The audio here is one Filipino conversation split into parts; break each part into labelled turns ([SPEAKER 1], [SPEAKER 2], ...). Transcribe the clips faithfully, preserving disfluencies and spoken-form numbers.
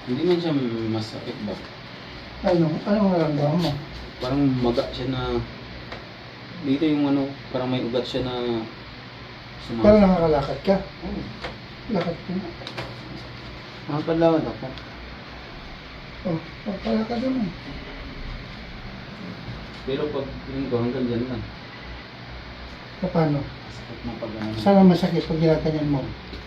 [SPEAKER 1] Hindi man siya masakit ba?
[SPEAKER 2] Ano? Anong naramdaman mo?
[SPEAKER 1] Parang maga siya na... Dito yung ano, parang may ugat siya na... Sumama.
[SPEAKER 2] Parang nakakalakad ka?
[SPEAKER 1] Oo.
[SPEAKER 2] Lakad ka na.
[SPEAKER 1] Makapalawan ako.
[SPEAKER 2] Oh, pagpalakad naman.
[SPEAKER 1] Pero pag yun ko hanggang dyan lang.
[SPEAKER 2] Paano?
[SPEAKER 1] Sakit mo pag ano.
[SPEAKER 2] Sana masakit pag ginaganyan mo.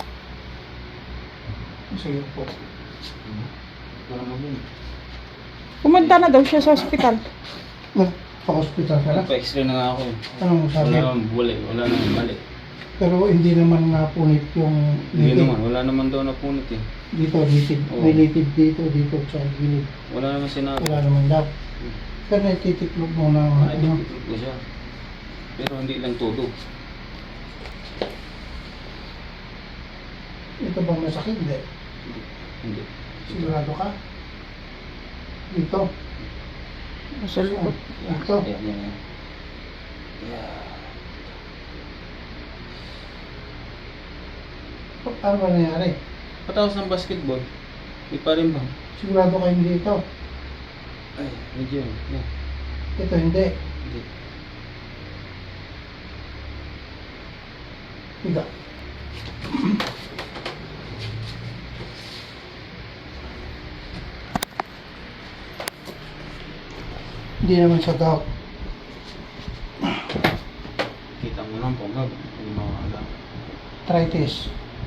[SPEAKER 2] Sige po.
[SPEAKER 1] Wala mo din.
[SPEAKER 3] Pumunta na daw siya sa ospital.
[SPEAKER 2] Pa-hospital ka na?
[SPEAKER 1] Nagpa-x-ray na nga ako eh.
[SPEAKER 2] Anong sabi?
[SPEAKER 1] Wala naman buli, wala naman mali.
[SPEAKER 2] Pero hindi naman napunit yung
[SPEAKER 1] Hindi
[SPEAKER 2] litid.
[SPEAKER 1] naman, wala naman daw napunit eh.
[SPEAKER 2] Dito, litid.
[SPEAKER 1] Oo.
[SPEAKER 2] May litid dito, dito sa gilid.
[SPEAKER 1] Wala naman sinabi.
[SPEAKER 2] Wala naman daw. Pero naititiklop mo na
[SPEAKER 1] Ay,
[SPEAKER 2] ano.
[SPEAKER 1] titikip ko siya. Pero hindi lang todo.
[SPEAKER 2] Ito bang masakit? Hindi.
[SPEAKER 1] Hindi.
[SPEAKER 2] Sigurado ka? Dito.
[SPEAKER 3] Sa likod.
[SPEAKER 2] Dito.
[SPEAKER 1] Yan, yan, yan. Yeah.
[SPEAKER 2] Ano ba nangyari?
[SPEAKER 1] Patapos ng basketball, di pa rin ba?
[SPEAKER 2] Sigurado ka hindi ito.
[SPEAKER 1] Ay, medyo. Yeah.
[SPEAKER 2] Ito hindi.
[SPEAKER 1] Hindi.
[SPEAKER 2] Higa. Hindi naman sa gout.
[SPEAKER 1] Kita mo lang po nga. Yung mga alam.
[SPEAKER 2] Arthritis.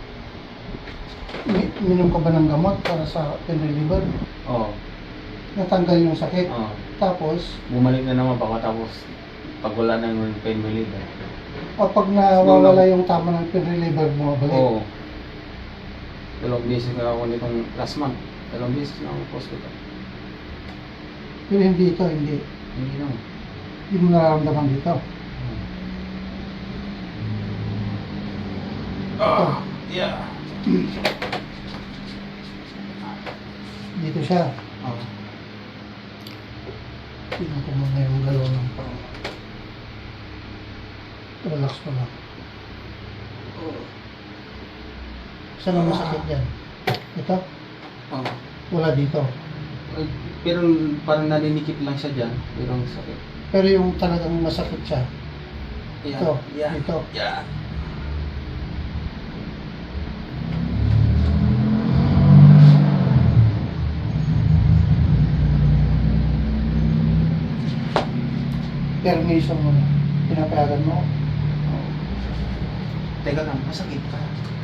[SPEAKER 2] Mi- Minom ka ba ng gamot para sa pain reliever?
[SPEAKER 1] Oo.
[SPEAKER 2] Natanggal yung sakit.
[SPEAKER 1] Oo.
[SPEAKER 2] Tapos,
[SPEAKER 1] Bumalik na naman pagkatapos pag wala na yung pain reliever.
[SPEAKER 2] kapag nawawala yung tama ng pain reliever, bumabalik.
[SPEAKER 1] Oo. Dalawang beses na ako nitong last month. Dalawang beses na ako sa hospital.
[SPEAKER 2] Pero hindi ito, hindi.
[SPEAKER 1] Hindi naman.
[SPEAKER 2] Hindi mo nararamdaman dito.
[SPEAKER 1] Ah, yeah.
[SPEAKER 2] Dito siya.
[SPEAKER 1] Oo.
[SPEAKER 2] Tingnan ko muna yung galaw ng pang. Relax mo lang. Saan ang masakit dyan? Ito?
[SPEAKER 1] Oo.
[SPEAKER 2] Wala dito.
[SPEAKER 1] Ay, pero parang naninikip lang siya dyan. Pero ang sakit.
[SPEAKER 2] Pero yung talagang masakit siya,
[SPEAKER 1] Yeah.
[SPEAKER 2] ito,
[SPEAKER 1] Yeah.
[SPEAKER 2] dito.
[SPEAKER 1] Yeah.
[SPEAKER 2] Permission mo na. Pinapayagan mo.
[SPEAKER 1] Teka lang, masakit pa.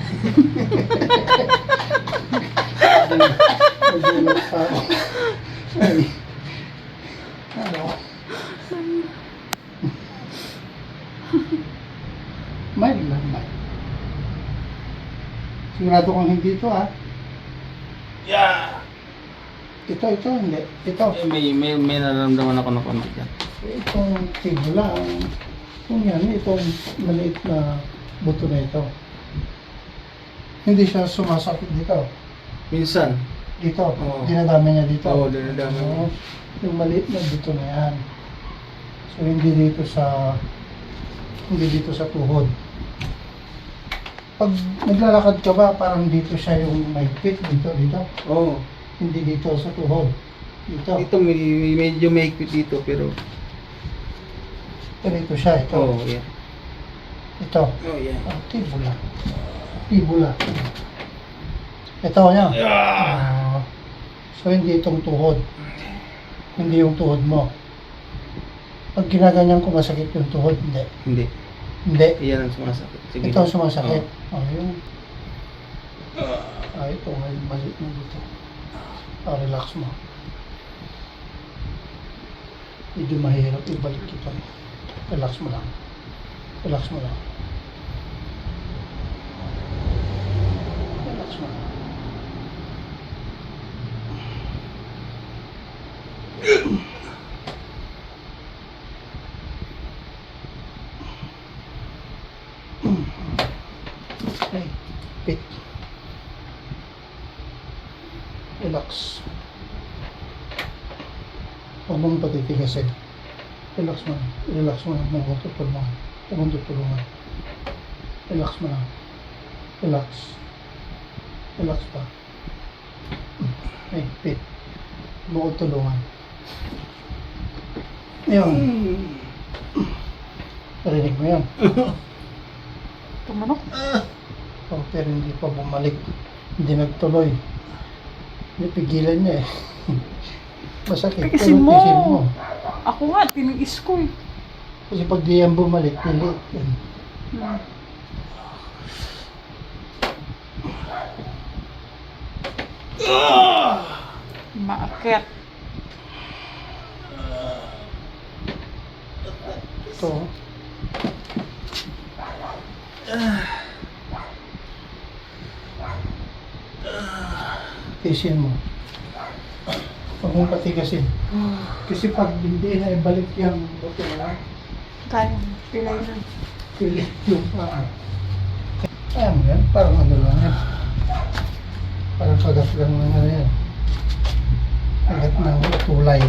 [SPEAKER 2] Nagulat pa ako. Ay. Ano? May lang, may. Sigurado kang hindi ito, ha?
[SPEAKER 1] Yeah.
[SPEAKER 2] Ito, ito, hindi. Ito.
[SPEAKER 1] Eh, may, may, may nararamdaman ako na konti dyan.
[SPEAKER 2] Itong tibula, kung yan, itong maliit na buto na ito. Hindi siya sumasakit dito.
[SPEAKER 1] Minsan.
[SPEAKER 2] Dito,
[SPEAKER 1] Oo.
[SPEAKER 2] dinadami niya dito.
[SPEAKER 1] Oo, dinadami niya.
[SPEAKER 2] Oo. Yung maliit na buto na yan. So, hindi dito sa, hindi dito sa tuhod. Pag naglalakad ka ba, parang dito siya yung may fit, dito, dito.
[SPEAKER 1] Oo.
[SPEAKER 2] Hindi dito sa tuhod. Dito.
[SPEAKER 1] Dito may, may- medyo may dito pero...
[SPEAKER 2] Pero ito siya, ito.
[SPEAKER 1] Oo, yeah.
[SPEAKER 2] Ito.
[SPEAKER 1] Oh, yeah.
[SPEAKER 2] Ah, tibula. Tibula. Ito niya. Ah, so, hindi itong tuhod. Hindi yung tuhod mo. Pag ginaganyan ko masakit yung tuhod, hindi.
[SPEAKER 1] Hindi.
[SPEAKER 2] Hindi.
[SPEAKER 1] Iyan ang sumasakit. Sige.
[SPEAKER 2] Ito ang sumasakit. Oh, yung... Ah, ito. May maliit na dito. Ah, relax mo. Medyo mahirap ibalik ito. Relax mo lang. Relax mo lang. Relax mo lang. Okay. Pit. Relax. Huwag mong patitigasin. Relax mo lang. Relax mo lang. Huwag mong tutulungan. Huwag mong tutulungan. Relax mo lang. Relax. Relax pa. Ay, pit. Bukod tulungan. Yun. Narinig mo yan?
[SPEAKER 3] Tumanok.
[SPEAKER 2] Oh, pero hindi pa bumalik. Hindi nagtuloy. Hindi pigilan niya eh. Masakit.
[SPEAKER 3] Tiisin
[SPEAKER 2] pero
[SPEAKER 3] mo.
[SPEAKER 2] tiisin mo.
[SPEAKER 3] Ako nga, tiniis ko eh.
[SPEAKER 2] Kasi pag di yan bumalik, pilit yan.
[SPEAKER 3] Hmm. Maakyat.
[SPEAKER 2] Ito. Tiisin mo. Huwag mong patigasin. Kasi pag hindi na ibalik yung buto na,
[SPEAKER 3] Kaya, pilay na.
[SPEAKER 2] pilit yung paa. Kaya mo yan, parang ano lang yan. Parang pagat lang ng ano yan. Pagat ng tulay.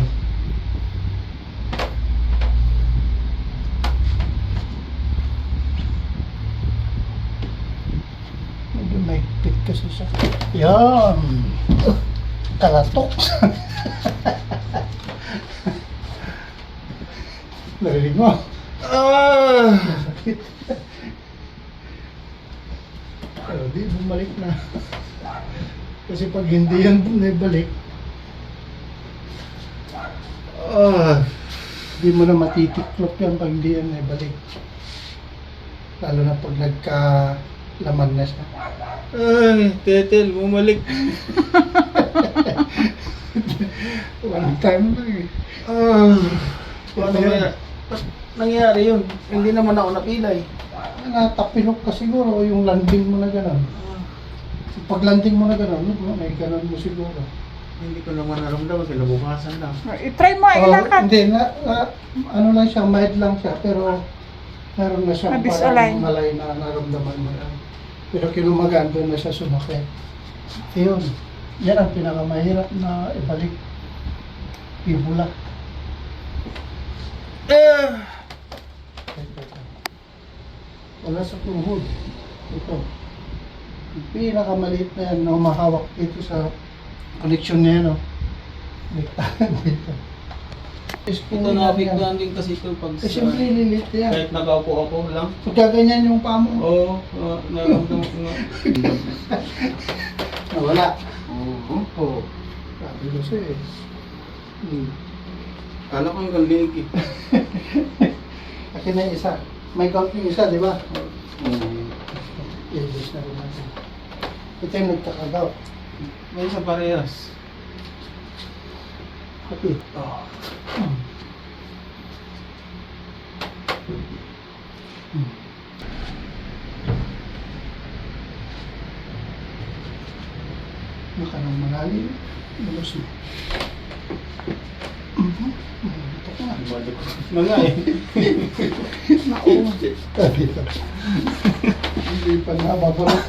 [SPEAKER 2] Medyo mahigpit kasi siya. Yan! Kalatok! Narinig mo?
[SPEAKER 1] Ah!
[SPEAKER 2] Sakit. Pero di, bumalik na. Kasi pag hindi yan naibalik, ah, di mo na matitiklop yan pag hindi yan naibalik. Lalo na pag nagka-laman na siya.
[SPEAKER 1] Ay, Tetel, bumalik.
[SPEAKER 2] One time lang eh.
[SPEAKER 1] Ah, paano
[SPEAKER 2] Ito yan.
[SPEAKER 1] kaya? Ba't nangyari yun? Hindi naman ako napilay.
[SPEAKER 2] Natapilok ka siguro yung landing mo na gano'n. Pag landing mo na gano'n, no, may gano'n mo siguro.
[SPEAKER 1] Hindi ko naman naramdaman, kinabukasan lang.
[SPEAKER 3] I-try mo,
[SPEAKER 2] Oh,
[SPEAKER 3] ilakad.
[SPEAKER 2] hindi, na, na- ano lang siya, mild lang siya, pero meron na siyang
[SPEAKER 3] Na-disalign.
[SPEAKER 2] parang malay na naramdaman mo yan. Pero kinumagaan doon na siya sumakit. Yun, yan ang pinakamahirap na ibalik. Fibula.
[SPEAKER 1] Ah!
[SPEAKER 2] Wala sa tuhod. Ito. Yung pinakamaliit na yan na humahawak dito sa connection niya, no? Bigtaan dito.
[SPEAKER 1] Ito na-apektuhan din kasi ito pag
[SPEAKER 2] Eh, siyempre, lilit yan.
[SPEAKER 1] kahit nakaupo ako lang.
[SPEAKER 2] Pagkaganyan yung paa mo,
[SPEAKER 1] Oo, oh, naramdaman ko nga.
[SPEAKER 2] nawala.
[SPEAKER 1] Oo.
[SPEAKER 2] Oo. Sabi ko siya eh. Hmm.
[SPEAKER 1] Kala ko yung kanlig eh.
[SPEAKER 2] Akin na yung isa. May count yung isa, di ba?
[SPEAKER 1] Oo.
[SPEAKER 2] I-adjust na rin natin. Ito yung nagkakagaw.
[SPEAKER 1] May isang parehas.
[SPEAKER 2] Okay.
[SPEAKER 1] Oh.
[SPEAKER 2] Hmm. Hmm. Baka nang malalim. Lubos mo. Mhm. Ito ko nga.
[SPEAKER 1] Balik ko. Mga eh.
[SPEAKER 3] Naku.
[SPEAKER 2] Dito. Hindi pa nababalak.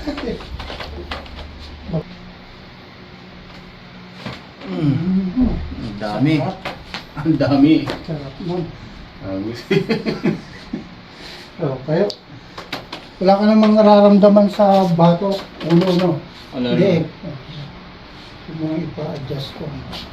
[SPEAKER 1] Mm. Ang dami.
[SPEAKER 2] Sarap.
[SPEAKER 1] Ang dami.
[SPEAKER 2] Sarap nun.
[SPEAKER 1] Agus.
[SPEAKER 2] Oh, kayo. Wala ka namang nararamdaman sa bato. Ulo, no?
[SPEAKER 1] Wala
[SPEAKER 2] Hindi.
[SPEAKER 1] rin.
[SPEAKER 2] Yung mga ipa-adjust ko.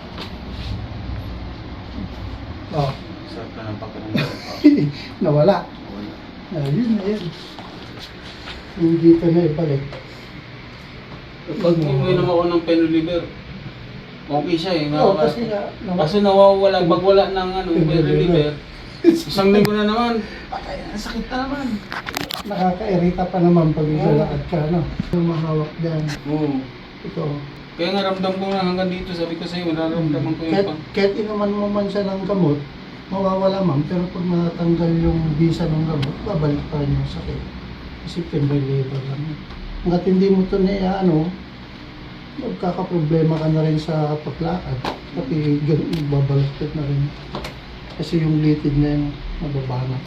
[SPEAKER 2] Oh.
[SPEAKER 1] Sarap na ng pakiramdam.
[SPEAKER 2] Nawala.
[SPEAKER 1] Wala.
[SPEAKER 2] Ayun na yun. Hindi ka na ibalik.
[SPEAKER 1] Pag uminom ako ng Penoliver, okay siya eh.
[SPEAKER 2] Oo,
[SPEAKER 1] Nakaka-
[SPEAKER 2] kasi nga, nawala.
[SPEAKER 1] Kaso nawawala, pag wala ng ano, Penoliver, isang linggo na naman. Ay, ang sakit na naman.
[SPEAKER 2] Nakaka-irita pa naman pag ilalakad ka, no? Yung mahawak dyan.
[SPEAKER 1] Oo.
[SPEAKER 2] Ito.
[SPEAKER 1] Kaya nga ramdam ko na hanggang dito, sabi ko sa'yo, nararamdaman ko yung
[SPEAKER 2] Kahit,
[SPEAKER 1] pang...
[SPEAKER 2] kahit inuman mo man siya ng gamot, mawawala man. Pero pag natanggal yung bisa ng gamot, babalik pa rin yung sakit. Kasi Penoliver lang yun. Hanggat hindi mo ito na ano, magkakaproblema ka na rin sa paglakad. Pati babalaktot na rin. Kasi yung litid na yun, mababanat.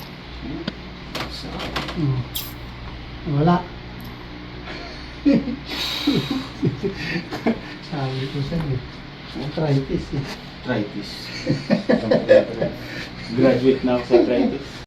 [SPEAKER 2] Hmm. Wala. Sabi ko sa'yo, arthritis eh.
[SPEAKER 1] Arthritis. Graduate na ako sa arthritis.